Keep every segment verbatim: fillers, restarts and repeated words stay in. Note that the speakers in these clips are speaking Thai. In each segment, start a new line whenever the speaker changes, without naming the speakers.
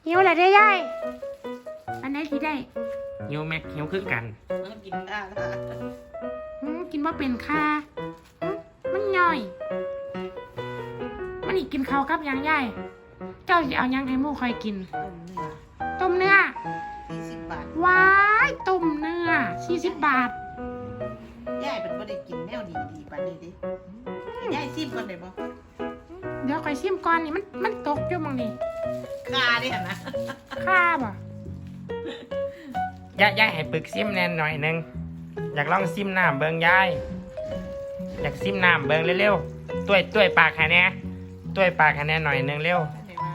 หิวอะไรได้ยายอันไหนที่ได้
หิวแม็กหิวคือกัน
มันกินได้ละ
หืมกินว่าเป็นค่าหืมมันย่อย มันอีกกินข้าวกับหยังยายเจ้าจะเอาหยังให้หมู่คอยกิน
ต้มเนื้อ
ต้มเนื้อ
สี่สิบบาท
ว้ายต้มเนื้อสี่สิบบาท
ย่ายเป็นบ่ได้กินแนวดีดีๆปานนี้ดิย่ายซิมก่อนได้บ่
เดี๋ยวคอยชิมก่อนนี่มันมันตกอยู่มังนี่
คาดิหั่นนะ
ค่าบ่
ยายยายให้ปึกซิมแน่นหน่อยหนึงอยากลองซิมน้ำเบิงยายอยากซิมน้ำเบิงเร็วๆต้วยต้วยปากให้แน่ต้วยปากให้แน่หน่อยหนึงเร็ว
ได้มา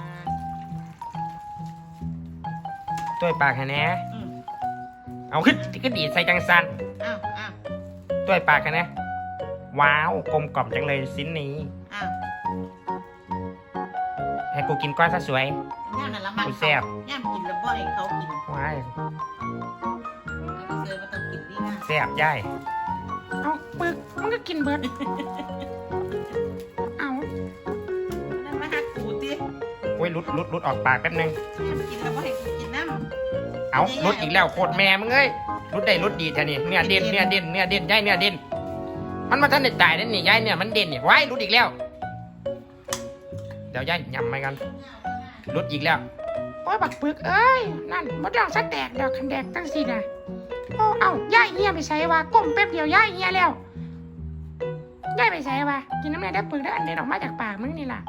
ต้วยปากให้แน่
อืม
เอาขึ้นก็ดีดใส่จังสัน
อ้าวอ้าว
ต้วยปากให้แน่ว้าวกลมกล่อมจังเลยสิ้นนี้
อ้าว
ให้กูกินก้อนซะสวย
ย่ามนั่นละมัน
กูแซ่บ
ย่ามกินแล้วบ่ให้เขากิน
ว้าย
เอาเสือมาต้องกินดีนะ
แซ่บยาย
เอาปึกมันก็กินเบิดเอา
นั่นมาหักกูติ
โอ้ยลุดลุดลุดออกปากแป๊บนึง
ย่ามกินแล้วบ่ให้กูกินน้ำ
เอาลุดอีกแล้วโคตรแม่มึงเอ้ยลุดได้ลุดดีแท้นี่เนื้อเด่นเนื้อเด่นเนื้อเด่นยายเนื้อเด่นมันมาท่านได้ตายนั่นนี่ยายเนี่ยมันเด่นนี่ว้ายลุดอีกแล้วเดี๋ยวยายยำไปกันลุดอีกแล้ว
โอ้ยบักปึกเอ้ยนั่นมดดองสะแตกดอกคันแดกตั้งสินะโอ้เอ้าย่ายเฮียไปใส่ว่าก้มแป๊บเดียวย่ายเฮียแล้วย่ายไปใส่ว่ากินน้ำลายได้ปึกได้อันเด็ดออกมาจากปากมึงนี่ล่ะ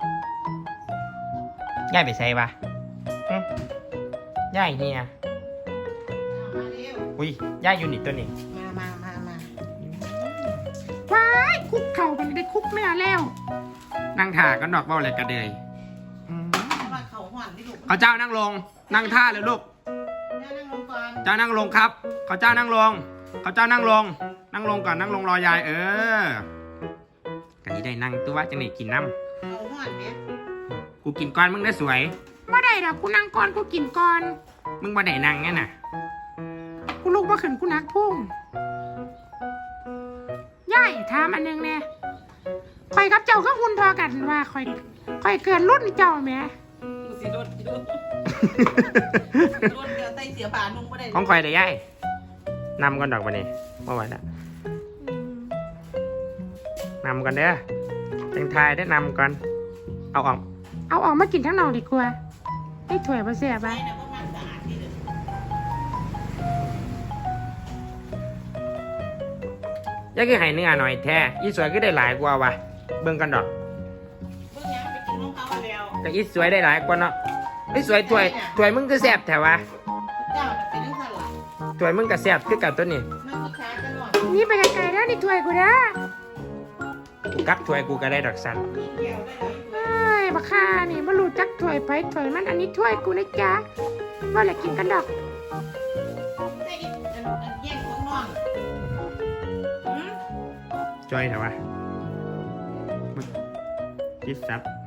ยายไปใส่ปะหึยายเฮีย
มาเร็ว
อุ้ยยายอยู่นี่ตัวนี้
มามามามา
ว้ายคุกเข่ามันได้คุกเนื้อแล้ว
นั่งท่าก็ดอกเบ้าเลยกระเดย
เพราะว่าเขาห่อนที่ลูก
เขาเจ้านั่งลง นั่งท่าเลยลูก
ย่านั่งลงก่อน
เจ้านั่งลงครับเขาเจ้านั่งลงเขาเจ้านั่งลง นั่งลงก่อนนั่งลงรอยายเออกันนี้ได้นั่งตัวจังนี่กินน้
เขาห่อนเนี่ย
ำกูกินก้อนมึงได้สวย
เมื่อใดดอกกูนั่งก่อนกูกินก่อน
มึงมาได้นั่งงั้นน่ะ
กูลุกมาขึ้นกูนักพุ่งย่ายถามอันหนึงแน่คอยกับเจ้าก็หุ่นพอกันว่าคอยคอยเกินรุ่นเจ้าแหม่
ดูสิโดนดูโดนเดี๋ยวไตเสียผ่านุ่งไม่ได้
ของคอยได้ยายนำก่อนดอกมาเนี่มาไหวแล้วนำก่อนเด้อจังทายได้นำก่อนเอาออก
เอาออกมากินทั้งนองดีกว่าให้ถ้วยมาเสีย
ไป
บ้า
นะพวกมันสะอาดที่เดิม
ยายคือให้เนื้อหน่อยแท้อีสวยก็ได้หลายกว่าวะเบิ่งกันดอก
เพิ่งยังไปกินน้องเขาแล้ว
แต่อีสวยได้หลายกว่าเนาะไอ้สวยถวยถวยมึงก็แซ่บแถวะ
เจ้าน่ะเป็นนักสลัด
ถวยมึงก็แซ่บคือกับตัวนี้
มันก็ช้ากันหน่อย
นี่ไปไกลๆแล้วนี่ถ้วยกูนะ
กูกักถวยกูก็ได้ดอกสัน
มีเกี่ยวได้เลย
เอ้ยบักค่านี่มารู้จักถ้วยไปถ้วยมันอันนี้ถ้วยกูนะจ๊ะว่าแหละกินกันดอก
ได้อีกอันอันแย่งของน้องหืม
จอยแถวะจิตซับ